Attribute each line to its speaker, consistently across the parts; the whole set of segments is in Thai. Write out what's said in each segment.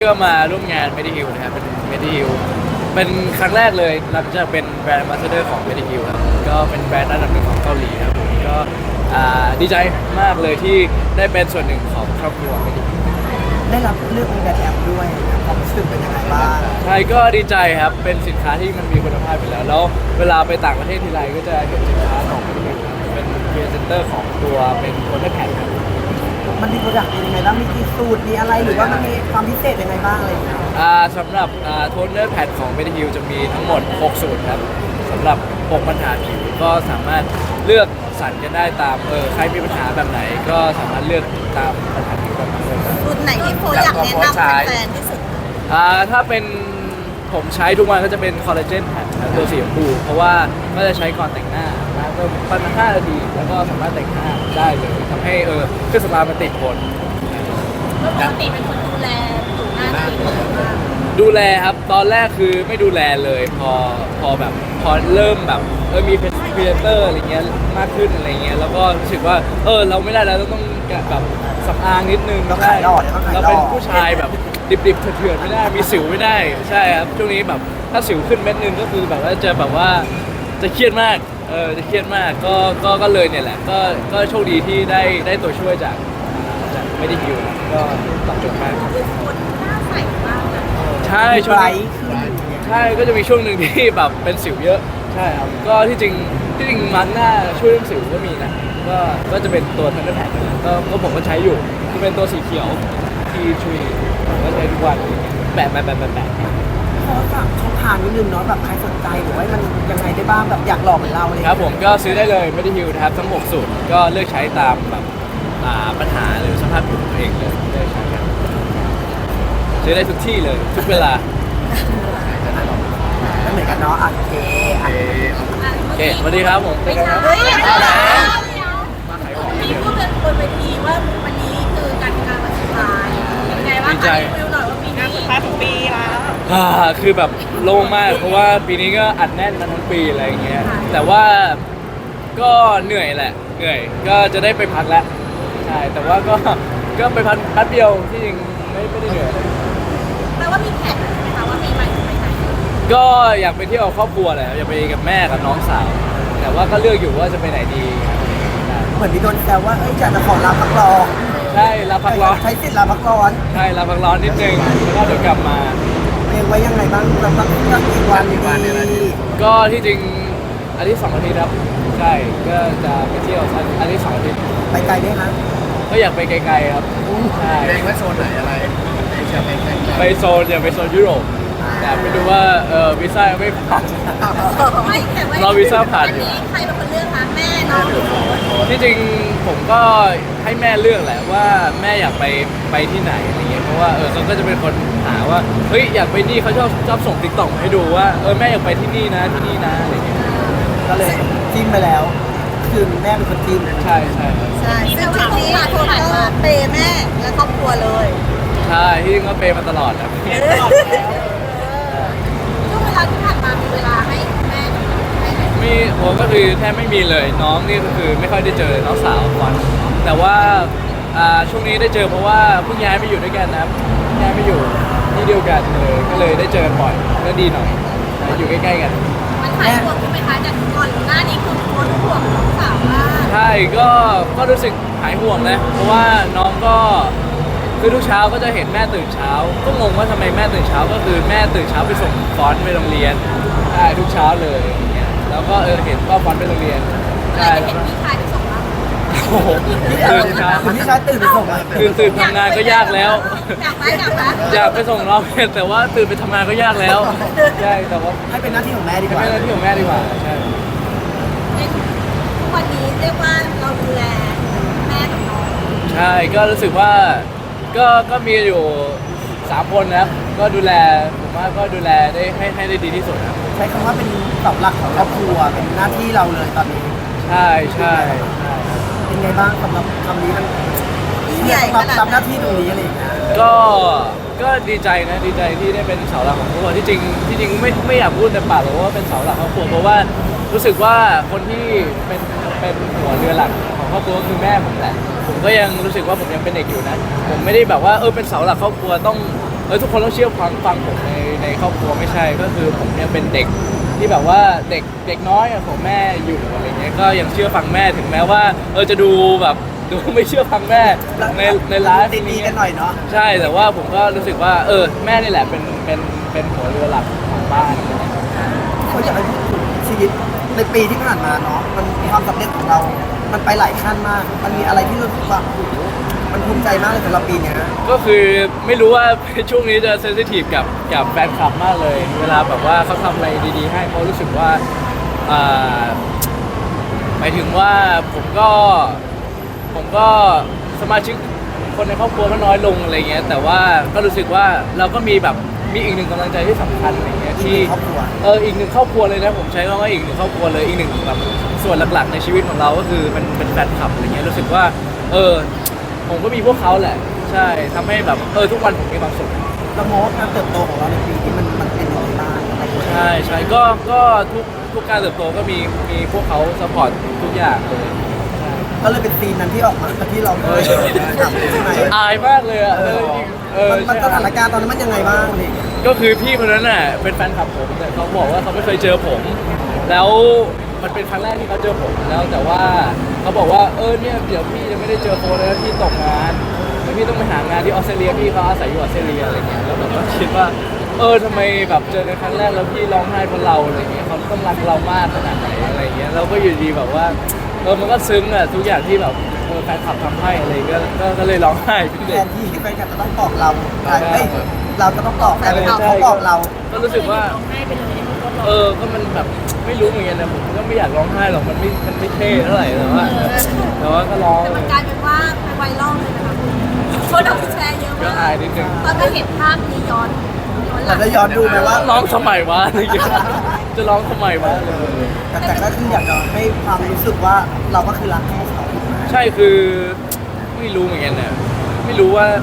Speaker 1: ก็มาร่วมงาน Mediheal นะครับเป็น Mediheal เป็นครั้งแรกเลยหลังจากเป็นแบรนด์ Ambassador ของ Mediheal ครับก็เป็นแบรนด์อันดับหนึ่งของเกาหลีครับผมก็ดีใจมากเลยที่ได้เป็นส่วนหนึ่งของครอบครัว Mediheal
Speaker 2: ได้รับเลือกเป็นแบรนด์แอมด้วยความรู้สึกเป็นยังไงบ้าง
Speaker 1: ใช่ก็ดีใจครับเป็นสินค้าที่มันมีคุณภาพอยู่แล้วเวลาไปต่างประเทศทีไรก็จะเห็นสินค้าของ Mediheal เป็นพรีเซนเตอร์ของตัวเป็นโทนเนอร์แพดครับ
Speaker 2: มันมีโปรดักต์เป็นยังไงบ้างมีกี่สูตรมีอะไรหรือว่ามันมีความพิเศษยังไงบ้างอะไรอย่างเงี้ย
Speaker 1: สำหรับโทนเนอร์แพดของ Mediheal จะมีทั้งหมด 6 สูตรครับสำหรับ 6 ปัญหาผิวก็สามารถเลือกสรรกันได้ตามใครมีปัญหาแบบไหนก็สามารถเลือกตามปัญหาผิวแบบนั้นเลยครับ
Speaker 3: สูตรไหนที่โฟอยากแนะนำแฟนๆที่สุด
Speaker 1: ถ้าเป็นผมใช้ทุกวันก็จะเป็นคอลลาเจนแพดตัวสีชมพูเพราะว่าก็จะใช้ก่อนแต่งหน้านะก็ประมาณ5 นาทีแล้วก็สามารถแต่งหน้าได้เลยทำให้เครื่องสำอางมันติดทน
Speaker 3: ปกติเป็นคนดูแลผิวหน้าตัวเองมาก
Speaker 1: ดูแลครับตอนแรกคือไม่ดูแลเลยพอแบบพอเริ่มแบบมีพรีเซนเตอร์อะไรเงี้ยมากขึ้นอะไรเงี้ยแล้วก็รู้สึกว่าเราไม่ได้แล้วต้องแบบสำอางนิดนึง
Speaker 2: ต้องขายหลอดต้องขายหลอด
Speaker 1: เราเป็นผู้ชายแบบดิบๆเถื่อนๆไม่ได้มีสิวไม่ได้ใช่ครับช่วงนี้แบบถ้าสิวขึ้นเม็ดนึงก็คือแบบว่าจะเครียดมากจะเครียดมากก็เลยเนี่ยแหละก็โชคดีที่ได้ตัวช่วยจากไม่ได้ฮิวก็ตอบโจทย์มาก
Speaker 3: คือคนหน้าใสมากนะ
Speaker 1: ใช่
Speaker 2: มี
Speaker 1: ช่วง
Speaker 2: ไบร
Speaker 1: นี้
Speaker 2: ท์ขึ้นอย่างเงี้ย
Speaker 1: ใช่ก็จะมีช่วงหนึ่งที่แบบเป็นสิวเยอะใช่ครับก็ที่จริงมาร์กหน้าช่วยเรื่องสิวก็มีนะก็จะเป็นตัวทันเดอร์แพดก็ผมก็ใช้อยู่จะเป็นตัวสีเขียวที่ช่วยผมก็ใช้ทุกวันแปะ
Speaker 2: ขอฝากช่องทางนิดนึงเนาะแบบใครสนใจหรือว่ามันยังไงได้บ้างแบบอยากหลอกเหมือนเราเลย
Speaker 1: ครับผมก็ซื้อได้เลยไม่ได้ฮิวนะครับทั้ง6 สูตรก็เลือกใช้ตามแบบปัญหาหรือสภาพผิวตัวเองเลยเลือกใช้กันซื้อได้ทุกที่เลยทุกเวลา
Speaker 2: ไม่เหมือนกันเนาะโอเคอ่ะ
Speaker 1: โอเคสวัสดีครับผมเจอกันครับ
Speaker 3: เฮ้ยมีพูดบนเวทีว่าวันนี้คือการทำงานวันสุดท้ายเป็นไงบ้างคะรีวิวหน่อยว่าปีนี้สุดท้ายของปีแล้ว
Speaker 1: คือแบบโล่งมากเพราะว่าปีนี้ก็อัดแน่นมาทั้งปีอะไรอย่างเงี้ยแต่ว่าก็เหนื่อยแหละเหนื่อยก็จะได้ไปพักแล้วใช่แต่ว่าก็ไปพักแป๊บเดียวที่จริงไม่ได้เหนื่อยเลย
Speaker 3: แปลว่ามีแผนใช่ไหมคะว่าปีใหม่จะไปไหน
Speaker 1: ก็อยากไปเที่ยวกับครอบครัวแหละอยากไปกับแม่กับน้องสาว แต่ว่าก็เลือกอยู่ว่าจะไปไหนดี
Speaker 2: เหมือนมีโดนแซวว่าเอ้ยอยากจะขอลาพักร้อน
Speaker 1: ใช่ลาพักร้อน
Speaker 2: ใช้สิทธิ์ลาพักร้อน
Speaker 1: ใช่ลาพักร้อนนิดนึงแล้วก็เดี๋ยวกลับมา
Speaker 2: เรียงไว้ยังไงบ้างเราต้องเลือกกี่วันดี
Speaker 1: ก็ที่จริงอาทิตย์2 อาทิตย์ครับใช่ก็จะไปเที่ยวอาทิตย์2 อาทิตย์
Speaker 2: ไปไกลไหมคะ
Speaker 1: ก็อยากไปไกลๆครับใช่
Speaker 4: เองว่าโซนไหนอะไรจะไปแข่งกัน
Speaker 1: ไปโซนอยากไปโซนยุโรปแต่ไม่รู้ว่าวีซ่ายังไม่ผ่าน
Speaker 3: ไม่แต่ว่าร
Speaker 1: อวีซ่าผ่านอยู่
Speaker 3: อันนี้ใครเป็นคนเลือกคะแม่น้องหรือโค้ช
Speaker 1: ที่จริงผมก็ให้แม่เลือกแหละว่าแม่อยากไปที่ไหนอะไรเงี้ยเพราะว่าเขาก็จะเป็นคนหาว่าเฮ้ยอยากไปนี่เขาชอบส่งติ๊กต็อกให้ดูว่าแม่อยากไปที่นี่นะที่นี่นะอะไรเงี้ยก็เลย
Speaker 2: จิ้มไปแล้ว คือแม่เป็นคนจิ้ม
Speaker 1: ใช่
Speaker 3: ใช่ซึ่งทริปนี้โค้ชก็เปย์แม่และครอบครัวเลย
Speaker 1: ใช่ที่จริงก็เปย์มาตลอดนะ
Speaker 3: ช่วงเวลาที่ผ่านมามีเวลาให้แม่ให้ไหม
Speaker 1: มีผมก็คือแทบไม่มีเลยน้องนี่ก็คือไม่ค่อยได้เจอน้องสาวก่อนแต่ว่าช่วงนี้ได้เจอเพราะว่าเพิ่งย้ายมาอยู่ด้วยกันนะครับย้ายมาอยู่ที่เดียวกันเลยก็เลยได้เจอกันบ่อยก็ดีหน่อยอยู่ใกล้ๆกัน
Speaker 3: มันหายห่วงใช่ไหมคะจากก่อนหน้านี้คือโค้ชห่วงน้องสาวมาก
Speaker 1: ใช่ก็รู้สึกหายห่วงนะเพราะว่าน้องก็คือทุกเช้าก็จะเห็นแม่ตื่นเช้า ก็งงว่าทำไมแม่ตื่นเช้าก็คือแม่ตื่นเช้าไปส่งฟอนต์ไปโรงเรียนใช่ทุกเช้าเลยอย่างเงี้ยแล้วก็เห็นก็ฟอนต์ไปโรงเรียน
Speaker 3: อะไร
Speaker 1: ใช่
Speaker 3: จะเห็นพี่ชายไปส่งบ้าง
Speaker 1: โอ้โหตื่นเช้า
Speaker 2: คุณพี่ชายตื่นไปส่งไหม
Speaker 1: คือตื่นทำงานก็ยากแล้ว
Speaker 3: อยากไหมอยากไหม
Speaker 1: อยากไปส่งน้องแต่ว่าตื่นไปทำงานก็ยากแล้วใช่แต่ว่า
Speaker 2: ให้เป็นหน้าที่ของแม่ดีก
Speaker 1: ไม่
Speaker 2: ว่า
Speaker 1: ใช่หน้าที่ของแม่ดีกว่าใช่
Speaker 3: ทุกวันนี้เรียกว่าเราดูแลแม่กับน้อง
Speaker 1: ใช่ก็รู้สึกว่าก็มีอยู่3 คนนะครับก็ดูแลผมว่าก็ดูแลได้ให้ได้ดีที่สุดครับ
Speaker 2: ใช้คำว่าเป็นเสาหลักของครอบครัวเป็นหน้าที่เราเลยตอนนี้
Speaker 1: ใช่ใช่
Speaker 2: เป็นไงบ้างสำหรับคำนี้มันรับหน้าที่ตรงนี้อะไรอย่างเงี้ย
Speaker 1: ก็ดีใจนะดีใจที่ได้เป็นเสาหลักของครอบครัวที่จริงไม่อยากพูดแต่ปากหรอกว่าเป็นเสาหลักของครอบครัวเพราะว่ารู้สึกว่าคนที่เป็นหัวเรือหลักของครอบครัวคือแม่ผมแหละผมก็ยังรู้สึกว่าผมยังเป็นเด็กอยู่นะผมไม่ได้แบบว่าเป็นเสาหลักครอบครัวต้องทุกคนต้องเชื่อฟังผมในครอบครัวไม่ใช่ก็คือผมเนี่ยเป็นเด็กที่แบบว่าเด็กน้อยของแม่อยู่อะไรเงี้ยก็ยังเชื่อฟังแม่ถึงแม้ว่าจะดูแบบดูไม่เชื่อฟังแม่ในไลฟ์
Speaker 2: ดีๆกันหน่อยเนาะ
Speaker 1: ใช่แต่ว่าผมก็รู้สึกว่าแม่นี่แหละเป็นหัวเรือหลักของบ้าน
Speaker 2: เขาอยากให้พูดถึงชีวิตในปีที่ผ่านมาเนาะมันความสำเร็จของเรา มันไปหลายขั้นมาก มันมีอะไรที่รู้สึกว่าโอ้โหมันภูมิใจมากเลยสำหรับปีเนี้ย
Speaker 1: ก็คือไม่รู้ว่า ช่วงนี้จะเซนซิทีฟกับแฟนคลับมากเลย เวลาแบบว่าเขาทำอะไรดีๆให้เพราะรู้สึกว่าหมายถึงว่าผมก็สมาชิกคนในครอบครัวก็น้อยลงอะไรเงี้ยแต่ว่าก็รู้สึกว่าเราก็มีอีกหนึ่งกำลังใจที่สำคัญอะไรเงี้ยที่
Speaker 2: ครอบครัว
Speaker 1: อีกหนึ่งครอบครัวเลยนะผมใช้คำว่าอีกหนึ่งครอบครัวเลยอีกหนึ่งแบบส่วนหลักๆในชีวิตของเราก็คือเป็นแฟนคลับอะไรเงี้ยรู้สึกว่าผมก็มีพวกเขาแหละใช่ทำให้แบบทุกวันผมมีความสุข
Speaker 2: เรามองว่าการเติบโตของเราในปีนี้มันเป็นยังไงบ้างอะไรอย่างเงี้ย
Speaker 1: ใช่ก็ทุกการเติบโตก็มีพวกเขาซัพพอร์ตทุกอย่างเลย
Speaker 2: ก็เลยเป็นซีนนั้นที่ออกมาที่เราได้ทำใช่ไหม
Speaker 1: อายมากเลยอ่ะ
Speaker 2: มันสถานการณ์ตอนนั้นมันยังไงบ้างเนี่ย
Speaker 1: ก็คือพี่คนนั้นน่ะเป็นแฟนคลับผมแต่เขาบอกว่าเขาไม่เคยเจอผม แล้วมันเป็นครั้งแรกที่เขาเจอผมแล้วแต่ว่าเขาบอกว่าเนี่ยเดี๋ยวพี่จะไม่ได้เจอโฟนแล้วพี่ตกงานเดี๋ยวพี่ต้องไปหางานที่ออสเตรเลียพี่เขาอาศัยอยู่ออสเตรเลียอะไรเงี้ยแล้วผมก็คิดว่าทำไมแบบเจอกันครั้งแรกแล้วพี่ร้องไห้เพราะเราอะไรเงี้ยเขาต้องรักเรามากขนาดไหนอะไรเงี้ยเราก็อยู่ดีแบบว่ามันก็ซึ้งอ่ะทุกอย่างที่แบบแฟนคลับทำให้อะไรก็เลยร้องไห้พี่
Speaker 2: แท
Speaker 1: เด็ก
Speaker 2: นที่แฟนคลับจะต้องตอบเราเราจะต้องตอบแต่เป็นเขาบอกเรา
Speaker 1: ก็รู้สึกว่า
Speaker 3: ร้องไห้ไปเลย
Speaker 1: ก็มันแบบไม่รู้เหมือนกันนะผมก็ไม่อยากร้องไห้หรอกมันไม่เท่เท่าไหร่แต่ว่าก็ร้อง
Speaker 3: แต่มันกลายเป็นว่าเป็นไวรัลเลยนะคะคนเอาไปแชร์เยอะ
Speaker 1: ก็
Speaker 3: มา
Speaker 1: อาก ยนิดนึง
Speaker 3: ตอนไปเห็นภาพนี้ย้อนหลั
Speaker 2: เรา
Speaker 3: ง
Speaker 2: จะย้อนดูไหมว่า
Speaker 1: ร้องทำไมวะอะไรอย่างเงี้ยจะร้องทำไมวะ
Speaker 2: แต่ก็คืออยากจะให้ความรู้สึกว่าเราก็คือรักให้เขาถูกไหม
Speaker 1: ใช่คือไม่รู้เหมือนกันเนี่ยไม่รู้ว่า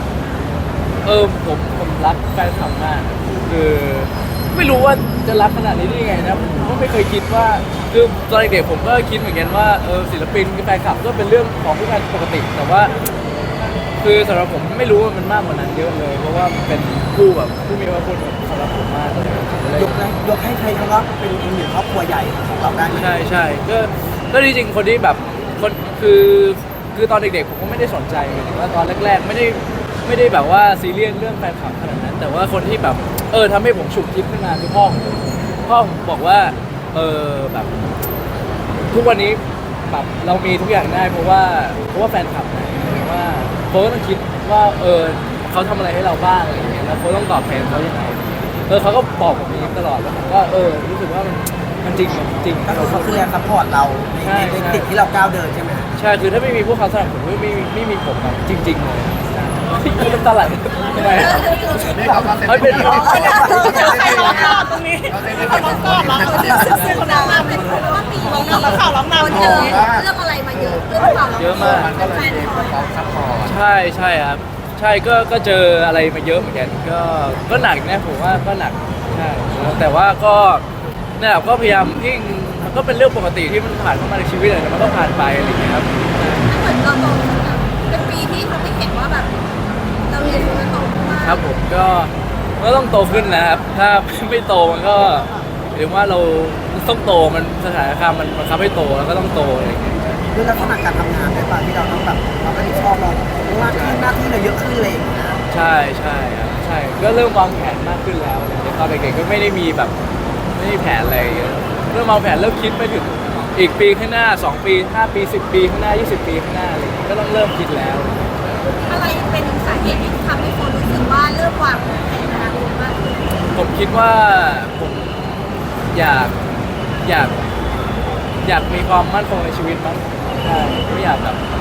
Speaker 1: ผมรักแฟนคลับมากคือไม่รู้ว่าจะรักขนาดนี้ได้ยังไงนะผมก็ไม่เคยคิดว่าคือตอนเด็กๆผมก็คิดเหมือนกันว่าศิลปินกับแฟนคลับก็เป็นเรื่องของผู้การปกติแต่ว่า คือสำหรับผมไม่รู้ว่ามันมากกว่านั้นเยอะเลย เพราะว่ามันเป็นผู้มีพระคุณสำหรับผมมากเลย
Speaker 2: ยกให้ใครคำว่าเป็นอีกหนึ่งครอบครัวใหญ่ของเราได้ไหม
Speaker 1: ใช่ก็จริงๆคนที่แบบคนคือตอนเด็กๆผมก็ไม่ได้สนใจหมายถึงว่าตอนแรกๆไม่ได้แบบว่าซีเรียสเรื่องแฟนคลับขนาดนั้น แต่ว่าคนที่แบบทำให้ผมฉุกคิดขึ้นมาคือพ่อผมบอกว่าแบบทุกวันนี้แบบเรามีทุกอย่างได้เพราะว่าแฟนคลับนะว่าเขาก็ต้องคิดว่าเขาทำอะไรให้เราบ้างอะไรอย่างเงี้ยแล้วเขาต้องตอบแทนเขายังไงเขาก็บอกผมอย่างนี้ตลอดแล้วผมก็รู้สึกว่ามันจริงจริง
Speaker 2: ก็คือเขาคือแรงซัพพอร์ตเราในติดที่เราก้าวเดินใช่ไหม
Speaker 1: ใช่คือถ้าไม่มีพวกเขาสนับสนุนไม่มีผมแบบจริงๆเลยพี่น้ำตาไหลทำไม
Speaker 4: นี่เขาก็
Speaker 1: ไม่เป็น
Speaker 3: ใครร้องก่อนตรงนี้ใครร้องก่อนร้องก่อนซึ่งคนนั้นเป็นเพราะว่าปีนี้เราข่าวร้องนำเยอะเรื่องอะไรมาเยอะเรื่องข่าวร้อง
Speaker 1: เยอะมาก
Speaker 4: มันก็เลยมีเขาซัพพอร์ต
Speaker 1: ใช่ครับใช่ก็เจออะไรมาเยอะเหมือนกันก็หนักนะผมว่าก็หนักใช่แต่ว่าก็เนี่ยก็พยายามที่มันก็เป็นเรื่องปกติที่มันผ่านเข้ามาในชีวิตเลยมันก็ผ่านไปอะไรอย่างเงี้ยครับ
Speaker 3: เหมือนเราโตขึ้นอะเป็นปีที่ทำให้เห็นว่าแบบเราเรียนรู้และโตขึ้นมาก
Speaker 1: ครับผมก็ต้องโตขึ้นนะครับ ถ้าไม่โตมันก็หรือว่าเราต้องโตมันสถานการณ์มันบังคับให้โตแล้วก็ต้องโตอะไรอย่างเงี้ย
Speaker 2: ด้วยลักษณะการทำงานด้วยป่ะที่เราต้องแบบเราก็ชอบเรามากขึ้นหน้าที่เราเยอะขึ้นเลย
Speaker 1: ใช่ครับใช่ก็เริ่มวางแผนมากขึ้นแล้วตอนเด็กๆก็ไม่ได้มีแบบไม่ได้แผนอะไรเยอะเริ่มวางแผนเริ่มคิดไปถึงอีกปีข้างหน้า2 ปี5 ปี10 ปีข้างหน้า20 ปีข้างหน้าอะไรอย่างเงี้ยก็ต้องเริ่มคิดแล้ว
Speaker 3: อะไรเป็นสาเหตุที่ทำให้คนรู้สึกว่าเริ่มวางแผนอนาคตมากขึ้น
Speaker 1: ผมคิดว่าผมอยากมีความมั่นคงในชีวิตมั้งใช่ไม่อยาก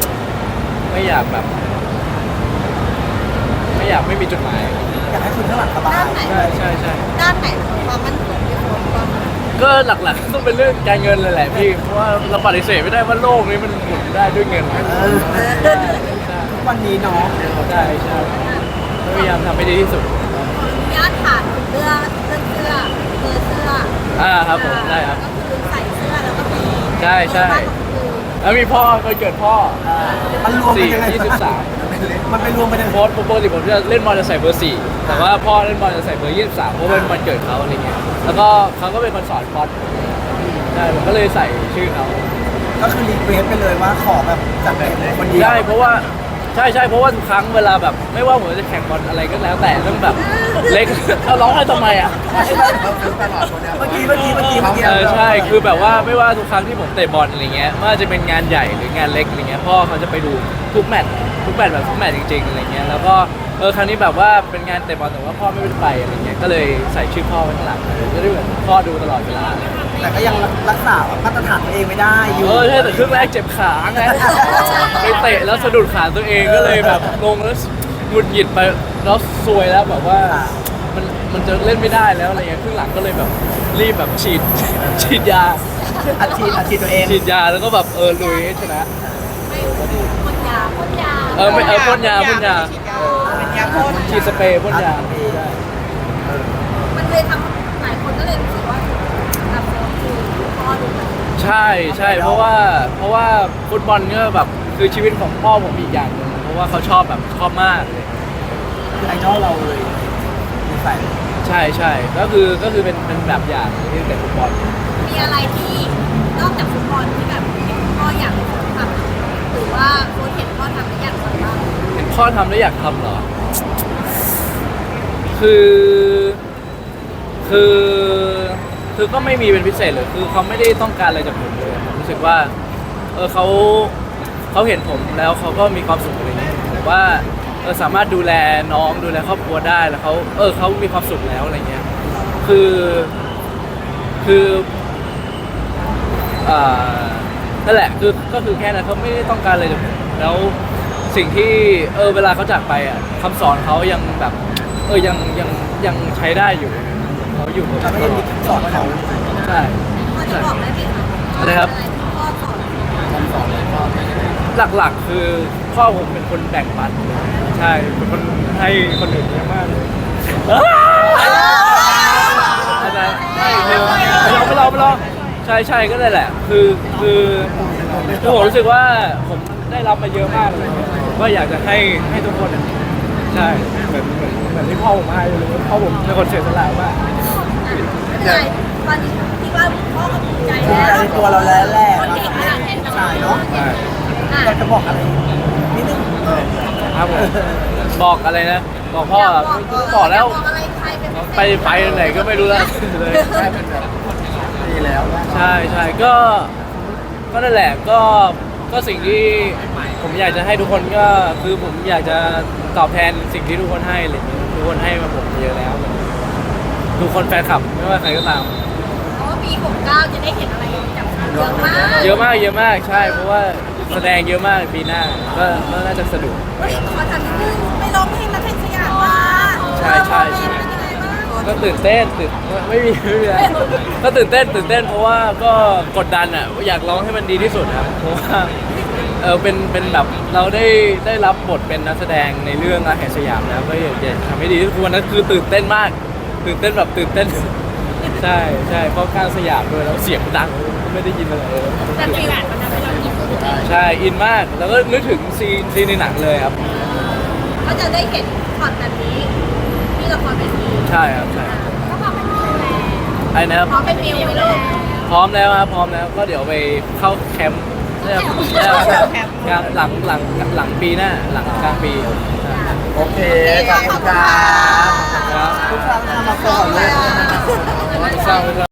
Speaker 1: ไม่มีจุดหมาย
Speaker 2: อยากให้คนข้างหลังสบาย
Speaker 3: ด้านไหน
Speaker 1: ใช่
Speaker 3: ด้านไหนของความมั่นคงที่คนความ
Speaker 1: ก็หลักๆต้องเป็นเรื่องการเงินเลยแหละพี่เพราะว่าเราปฏิเสธไม่ได้ว่าโลกนี้มันหมุนได้ด้วยเงินใช่
Speaker 2: ทุกวันนี้เนาะ
Speaker 1: พยายามทำให้ดีที่สุด
Speaker 3: ญาติถามเรื่องเสื้อเสื้อ
Speaker 1: ครับผมได้ครับ
Speaker 3: ก็คือใส่เสื้อแล้วก็มี
Speaker 1: ใช่แล้วมีพ่อวันเกิดพ่อ
Speaker 2: มันรวมกันยังไง
Speaker 1: 4/23
Speaker 2: มันไปรวมไปใน
Speaker 1: โค้ดปกติผมจะเล่นบอลจะใส่เบอร์ 4แต่ว่าพ่อเล่นบอลจะใส่เบอร์ 23เพราะเป็นวันเกิดเขาอะไรเงี้ยแล้วก็เขาก็เป็นคนสอนคอร์สใช่ผมก็เลยใส่ชื่อเขา
Speaker 2: ก็คือรีเควสไปเลยว่าขอแบบจากคนเดียว
Speaker 1: ใช่เพราะว่าใช่เพราะว่าทุกครั้งเวลาแบบไม่ว่าผมจะแข่งบอลอะไรก็แล้วแต่ต้องแบบเล็ก เราร้องไห้ทำไมอ่ะ
Speaker 4: เราซื้อตลอดตัวเนี้ย
Speaker 2: เมื่อกี้
Speaker 1: ใช่คือแบบว่าไม่ว่าทุกครั้งที่ผมเตะบอลอะไรเงี้ยไม่ว่าจะเป็นงานใหญ่หรืองานเล็กอะไรเงี้ยพ่อเขาจะไปดูทุกแมตช์แบบทุกแมตช์จริงๆอะไรเงี้ยแล้วก็ครั้งนี้แบบว่าเป็นงานเตะบอลแต่ว่าพ่อไม่ได้ไปอะไรเงี้ยก็เลยใส่ชื่อพ่อไว้ข้างหลังจะได้เหมือนพ่อดูตลอดเวลา
Speaker 2: แต่ก็ยังรักษามาตรฐานตัวเองไม่ได้อยู่
Speaker 1: ใช่แต่ครึ่งแรกเจ็บขาไงไปเตะแล้วสะดุดขาตัวเองก็เลยแบบลงแล้วหงุดหงิดไปแล้วซวยแล้วแบบว่ามันจะเล่นไม่ได้แล้วอะไรเงี้ยครึ่งหลังก็เลยแบบรีบแบบฉีดยา
Speaker 2: อาชีพตัวเอง
Speaker 1: ฉีดยาแล้วก็แบบลุยให้ชนะ
Speaker 3: ไม่พ่นยา
Speaker 1: พ่นยาเป็นยาพ่นฉีดสเปรย์พ่นยา
Speaker 3: มันเลยทำหลายคนก็เลยรู้สึกว่าแบบคือพ่อดูแบบ
Speaker 1: ใช่เพราะว่าฟุตบอลก็แบบคือชีวิตของพ่อผมอีกอย่างหนึงเพราะว่าเขาชอบมากเลย
Speaker 2: คือไอดอลเราเลยมีใส่
Speaker 1: ใช่ก็คือเป็นแบบอย่างที่เตะฟุตบอล
Speaker 3: มีอะไรที่นอกจากฟุตบอลที่แบบเห็นพ่ออยากทำหรือว่าโค้ชเห็นพ่อทำแล้วอยากทำบ้าง
Speaker 1: เห็นพ่อทำแล้วอยากทำเหรอ คือ ก็ไม่มีเป็นพิเศษเลย คือเขาไม่ได้ต้องการอะไรจากผมเลยผมรู้สึกว่า เขาเห็นผมแล้วเขาก็มีความสุขอะไรเงี้ยผมว่าสามารถดูแลน้องดูแลครอบครัวได้แล้วเขามีความสุขแล้วอะไรเงี้ย คือนั่นแหละก็คือแค่นั้นเขาไม่ได้ต้องการอะไรจากผมแล้วสิ่งที่เวลาเขาจากไปอ่ะคำสอนเขายังแบบยังใช้ได้อยู่เขาอยู่กับ
Speaker 2: เราก็ยังมีสอนเขา
Speaker 1: ใช่
Speaker 3: พ่อจะบอกได้ไหมคะ
Speaker 1: อะไรครับ
Speaker 3: ที่พ่อสอน
Speaker 1: หลักๆคือพ่อผมเป็นคนแบ่งปันใช่เป็นคนให้คนอื่นเยอะมากเลยอะไรใช่ไม่ลองใช่ก็ได้แหละคือผมรู้สึกว่าผมได้รับมาเยอะมากเลยก็อยากจะให้ทุกคนใช่เหมือนที่พ่อผมให้เลยพ่อผมเป็นคนเสียสละมาก
Speaker 3: ใช่ตอนนี้ที่ว่าพ่อก็ภูมิใจ
Speaker 2: ภูมิ
Speaker 3: แล้ว
Speaker 2: ใจในตัวเราแล้วแหละ
Speaker 3: คนเก่งขนาดนี้
Speaker 2: ใช่เนาะ
Speaker 1: ใช่
Speaker 2: อยากจะบอกอะไรนิดนึง
Speaker 1: ครับผมบอกอะไรนะบอกพ่อบอกแล้ว
Speaker 3: บอกอะไรใครเป็นพิเศษ
Speaker 1: ไปไหนก็ไม่รู้แล้วเลย
Speaker 4: ได้เป็นแบบดีแล้ว
Speaker 1: ใช่ก็นั่นแหละก็สิ่งที่ผมอยากจะให้ทุกคนก็คือผมอยากจะตอบแทนสิ่งที่ทุกคนให้เลยทุกคนให้มาผมเยอะแล้ว ทุกคนแฟนคลับไม่ว่าใครก็ตาม
Speaker 3: เพราะว่าปี 69 จะได้เห็นอะไรจากเยอะมาก
Speaker 1: เยอะมากใช่เพราะว่าแสดงเยอะมากปีหน้าก็น่าจะสนุก
Speaker 3: เฮ้ยขอถามนิดนึงไปร้องเพลงนักเพลงสยามมา
Speaker 1: ใช่
Speaker 3: เป็นยังไงบ้าง
Speaker 1: ก็ตื่นเต้นไม่มีอะไรก็ตื่นเต้นเพราะว่าก็กดดันอ่ะอยากร้องให้มันดีที่สุดครับเพราะว่าเป็นแบบเราได้รับบทเป็นนักแสดงในเรื่องรักแห่งสยามแล้วก็อยากจะทำให้ดีที่สุดวันนั้นคือตื่นเต้นมากตื่นเต้นใช่เพราะกลางสยามด้วยแล้วเสียงดังไม่ได้ยินอะไรเลย
Speaker 3: แต่ปีหลังมันทำให้เรายิ้ม
Speaker 1: ใช่อินมากแล้วก็นึกถึงซีนในหนังเลยครับ
Speaker 3: ก็จะได้เห็นช็อตแบบนี้ที่ละครเวที
Speaker 1: ใช่ครับใช่
Speaker 3: ก็พอเป็นมิวแล้ว
Speaker 1: ไอ้นะครับ
Speaker 3: พอเป็นมิวไปลูก
Speaker 1: พร้อมแล้วครับพร้อมแล้วก็เดี๋ยวไปเข้าแคมป์กลางหลังปีหน้าหลังกลางปี
Speaker 4: โอเคขอบคุณครับ
Speaker 1: ครับ
Speaker 2: ทุกครั้งทำมาก่อนเลย
Speaker 1: เศร้า